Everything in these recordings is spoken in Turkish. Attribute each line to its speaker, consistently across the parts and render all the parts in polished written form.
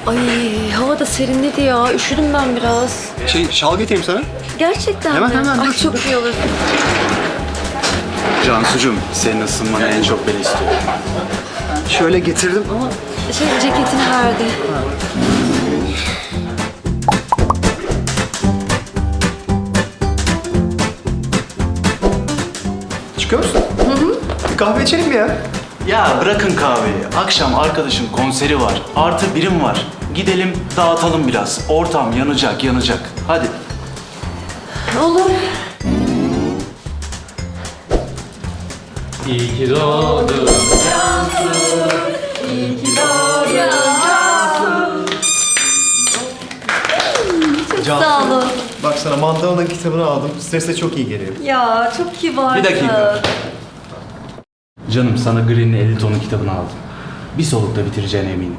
Speaker 1: Ay hava da serinledi ya. Üşüdüm ben biraz.
Speaker 2: Şal getireyim sana.
Speaker 1: Gerçekten
Speaker 2: Hemen,
Speaker 1: mi?
Speaker 2: hemen,
Speaker 1: Ay
Speaker 2: dur.
Speaker 1: çok iyi olur.
Speaker 2: Cansucuğum, senin ısınmanı en çok ben istiyorum. Şöyle getirdim ama...
Speaker 1: Ceketini verdi.
Speaker 2: Çıkıyor musun? Bir kahve içelim mi ya?
Speaker 3: Ya bırakın kahveyi. Akşam arkadaşın konseri var. Artı birim var. Gidelim dağıtalım biraz. Ortam yanacak yanacak. Hadi.
Speaker 1: Olur.
Speaker 4: İyi ki doğdun.
Speaker 1: Sağ olun.
Speaker 2: Bak sana Mandalina'nın kitabını aldım. Strese çok iyi geliyor.
Speaker 1: Ya çok kibarsın.
Speaker 3: Bir dakika. Canım sana Green'in 50 tonu kitabını aldım. Bir solukta bitireceğine eminim.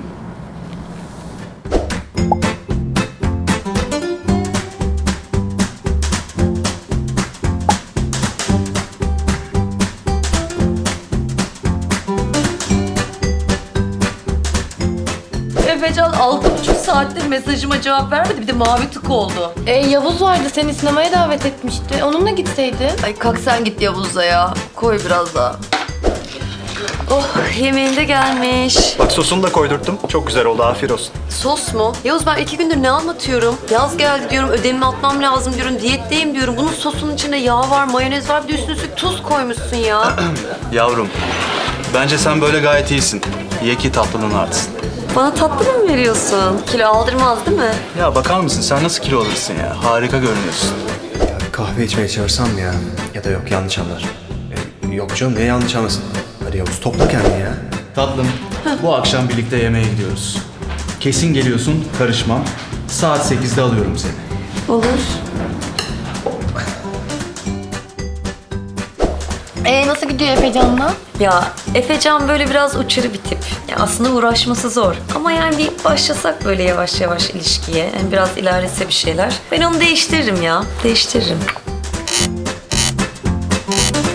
Speaker 5: Efecan 6,5 saattir mesajıma cevap vermedi. Bir de mavi tık oldu.
Speaker 1: Yavuz vardı seni sinemaya davet etmişti. Onunla gitseydin.
Speaker 5: Ay kalk sen git Yavuz'la ya. Koy biraz daha.
Speaker 1: Oh yemeğin de gelmiş.
Speaker 2: Bak sosunu da koydurttum. Çok güzel oldu, afiyet olsun.
Speaker 5: Sos mu? Yavuz ben 2 gündür ne anlatıyorum? Yaz geldi diyorum, ödevimi atmam lazım diyorum, diyetteyim diyorum. Bunun sosunun içinde yağ var, mayonez var, bir de üstüne üstlük tuz koymuşsun ya.
Speaker 3: Yavrum, bence sen böyle gayet iyisin. Ye ki tatlının artsın.
Speaker 5: Bana tatlı mı veriyorsun? Kilo aldırmaz değil mi?
Speaker 3: Ya bakar mısın sen nasıl kilo alırsın ya? Harika görünüyorsun.
Speaker 2: Ya bir kahve içmeye çağırsam mı ya? Ya da yok, yanlış anlar. Yok canım, niye yanlış anlasın? Hadi Yavuz, topla kendini ya.
Speaker 3: Tatlım, bu akşam birlikte yemeğe gidiyoruz. Kesin geliyorsun, karışmam. Saat 8'de alıyorum seni.
Speaker 5: Olur.
Speaker 1: Nasıl gidiyor Efecan'la?
Speaker 5: Ya Efecan böyle biraz uçarı bir tip. Ya aslında uğraşması zor. Ama yani bir başlasak böyle yavaş yavaş ilişkiye. Yani biraz ilerlese bir şeyler. Ben onu değiştiririm ya. Değiştiririm.